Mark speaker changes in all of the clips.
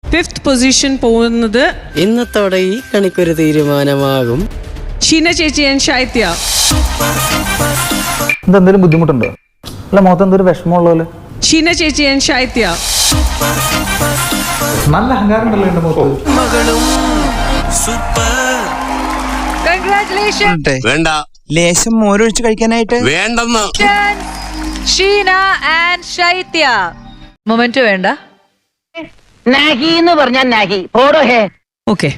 Speaker 1: 5th position പോകുന്നത്
Speaker 2: ഇന്നത്തോടെ ഈ കണിക്കൊരു തീരുമാനമാകും.
Speaker 1: ഷീന ചേച്ചി ആൻഡ് ശൈത്യ.
Speaker 3: എന്തെങ്കിലും ബുദ്ധിമുട്ടുണ്ടോ? അല്ല മുഖത്ത് എന്തൊരു വിഷമമുള്ള പോലെ.
Speaker 1: ഷീന ചേച്ചി ആൻഡ് ശൈത്യ.
Speaker 3: നല്ല അഹങ്കാരം ഉണ്ടല്ലോ എന്റെ മുഖത്ത്.
Speaker 4: വേണ്ട,
Speaker 5: ലേശം മോരൊഴിച്ച് കഴിക്കാനായിട്ട്
Speaker 4: വേണ്ടെന്ന്.
Speaker 6: ഷീന ആൻഡ് ശൈത്യ. മൊമെന്റ് വേണ്ട.
Speaker 7: നാഹി എന്ന് പറഞ്ഞാൽ നാഹി പോടോ ഹേ.
Speaker 1: ഓക്കെ,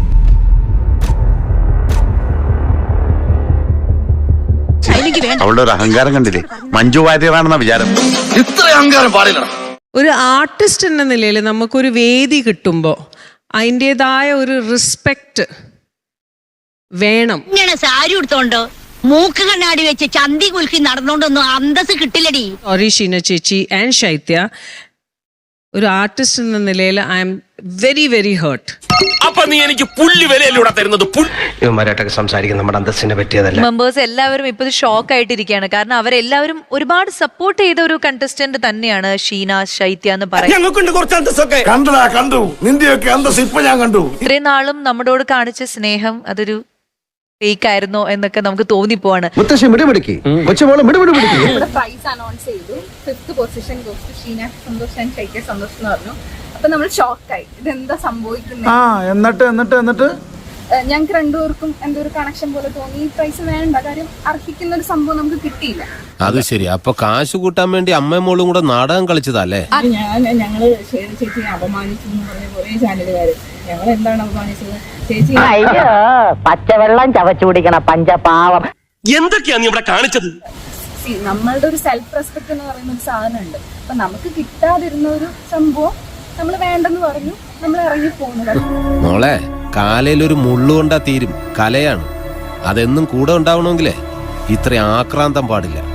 Speaker 8: അവളുടെ ഒരു അഹങ്കാരം കണ്ടില്ലേ? മഞ്ജു വാര്യറാണെന്ന വിചാരം.
Speaker 4: ഇത്ര അഹങ്കാരം പാടില്ല.
Speaker 1: ഒരു ആർട്ടിസ്റ്റ് എന്ന നിലയിൽ നമുക്കൊരു വേദി കിട്ടുമ്പോൾ അതിൻ്റെതായ ഒരു റെസ്പെക്റ്റ് വേണം.
Speaker 7: ഇങ്ങനെ സാരി ഉടുത്തോണ്ടോ മൂക്ക് കണ്ണാടി വെച്ച് ചന്തി കുലുക്കി നടന്നോണ്ടൊന്നും അന്തസ് കിട്ടില്ലടി.
Speaker 1: സോറി ഷീന ചേച്ചി ആൻഡ് ശൈത്യ, ഒരു ആർട്ടിസ്റ്റ് എന്ന നിലയിൽ I am very very hurt.
Speaker 4: അപ്പൊ നീ എനിക്ക് പുല്ല് വിലയിലൂടെ തരുന്നത്?
Speaker 2: ഇവന്മാരായിട്ടൊക്കെ സംസാരിക്കുന്ന നമ്മുടെ അന്തസ്സിനെ പറ്റിയതല്ല.
Speaker 6: മെമ്പേഴ്സ് എല്ലാവരും ഇപ്പൊ ഷോക്ക് ആയിട്ടിരിക്കുകയാണ്. കാരണം അവരെല്ലാവരും ഒരുപാട് സപ്പോർട്ട് ചെയ്ത ഒരു കണ്ടസ്റ്റന്റ് തന്നെയാണ് ഷീന ശൈത്യ എന്ന് പറയുന്നത്.
Speaker 4: ഞങ്ങൾക്കുണ്ട് കുറച്ച് അന്തസ്സൊക്കെ.
Speaker 8: കണ്ടു നിന്റെയൊക്കെ അന്തസ് ഇപ്പൊ ഞാൻ കണ്ടു.
Speaker 6: ഇത്രയും നാളും നമ്മളോട് കാണിച്ച സ്നേഹം അതൊരു ഫേക്ക് ആയിരുന്നോ എന്നൊക്കെ നമുക്ക് തോന്നിപ്പോവാണ്.
Speaker 9: പ്രൈസ് അനൗൺസ് ചെയ്തു. 5th position goes to Sheena Santhosh and Shaitya Santhosh എന്ന് പറഞ്ഞു. അപ്പൊ നമ്മൾ ഷോക്കായി, ഇതെന്താ സംഭവിക്കുന്നത്.
Speaker 3: എന്നിട്ട്
Speaker 9: ഞങ്ങൾക്ക് രണ്ടുപേർക്കും എന്തോ ഒരു കണക്ഷൻ പോലെ തോന്നി. ഈ പ്രൈസ് വേണ്ട, കാര്യം അർഹിക്കുന്ന ഒരു സംഭവം നമുക്ക് കിട്ടിയില്ല.
Speaker 10: അത് ശരി. അപ്പൊ കാശ് കൂട്ടാൻ വേണ്ടി അമ്മയും മോളും കൂടെ നാടകം കളിച്ചതല്ലേ?
Speaker 9: ഞങ്ങള് ചേച്ചിയെ അപമാനിച്ചു എന്ന് പറഞ്ഞ കുറെ ചാനലുകാര്. ഞങ്ങൾ എന്താണ് അപമാനിച്ചത്? ചേച്ചി
Speaker 7: അയ്യോ പച്ചവെള്ളം ചവച്ചു കുടിക്കണ പഞ്ചപാവം.
Speaker 4: എന്തൊക്കെയാ നീ ഇവിടെ കാണിച്ചത്?
Speaker 9: നമ്മളുടെ ഒരു സെൽഫ് റെസ്പെക്ട് എന്ന് പറയുന്ന ഒരു സാധനം ഉണ്ട്. അപ്പൊ നമുക്ക് കിട്ടാതിരുന്ന ഒരു സംഭവം നമ്മൾ വേണ്ടെന്ന് പറഞ്ഞു, നമ്മൾ ഇറങ്ങി പോകുന്നത്.
Speaker 10: മോളെ, കാലയിലൊരു മുള്ളുകൊണ്ടാ തീരും. കലയാണ്. അതെന്നും കൂടെ ഉണ്ടാവണമെങ്കിലേ ഇത്ര ആക്രാന്തം പാടില്ല.